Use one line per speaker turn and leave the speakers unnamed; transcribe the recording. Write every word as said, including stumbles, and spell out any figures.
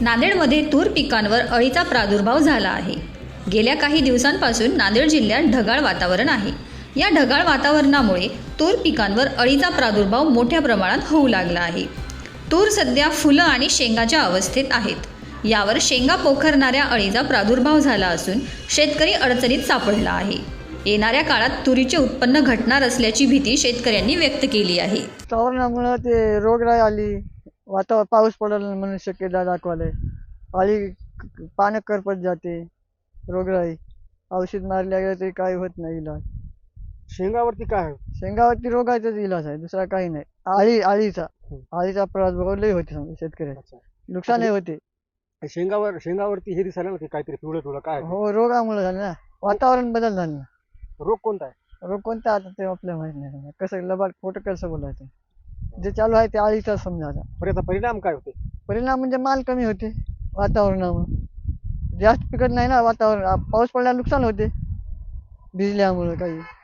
नांदेडमध्ये तूर पिकांवर अळीचा प्रादुर्भाव झाला आहे। गेल्या काही दिवसांपासून नांदेड जिल्ह्यात ढगाळ वातावरण आहे। या ढगाळ वातावरणामुळे तूर पिकांवर अळीचा प्रादुर्भाव मोठ्या प्रमाणात होऊ लागला आहे। तूर सध्या फुलं आणि शेंगाच्या अवस्थेत आहेत। यावर शेंगा पोखरणाऱ्या अळीचा प्रादुर्भाव झाला असून शेतकरी अडचणीत सापडला आहे। येणाऱ्या काळात तुरीचे उत्पन्न घटणार असल्याची भीती शेतकऱ्यांनी व्यक्त केली आहे।
वातावरणामुळे ते रोगराई आली, वातावरण पाऊस पडेल म्हणून शक्यता दाखवले, अळी पानं करपत जाते, रोगराई औषध मारल्या गेलं तरी काही होत नाही इलाज।
शेंगावरती काय आहे?
शेंगावरती रोगाचाच इलाज आहे, दुसरा काही नाही। आळी आळीचा आळीचा प्रादुर्भाव लई होते समजा शेतकऱ्याचे, नुकसानही होते।
शेंगावर शेंगावरती हे दिसायला ना की काहीतरी पिवळं पिवळं काय आहे?
हो, रोगामुळे झालं ना, वातावरण बदल झालं ना।
रोग कोणता आहे?
रोग कोणता आता ते आपल्याला माहित नाही समजा, कसं लबाड खोटं कसं बोलायचं। जे चालू आहे ते आळीचा समजा आता।
पण याचा परिणाम काय होते?
परिणाम म्हणजे माल कमी होते वातावरणामुळे, जास्त पिकत नाही ना वातावरण। पाऊस पडल्यावर नुकसान होते भिजल्यामुळे काही।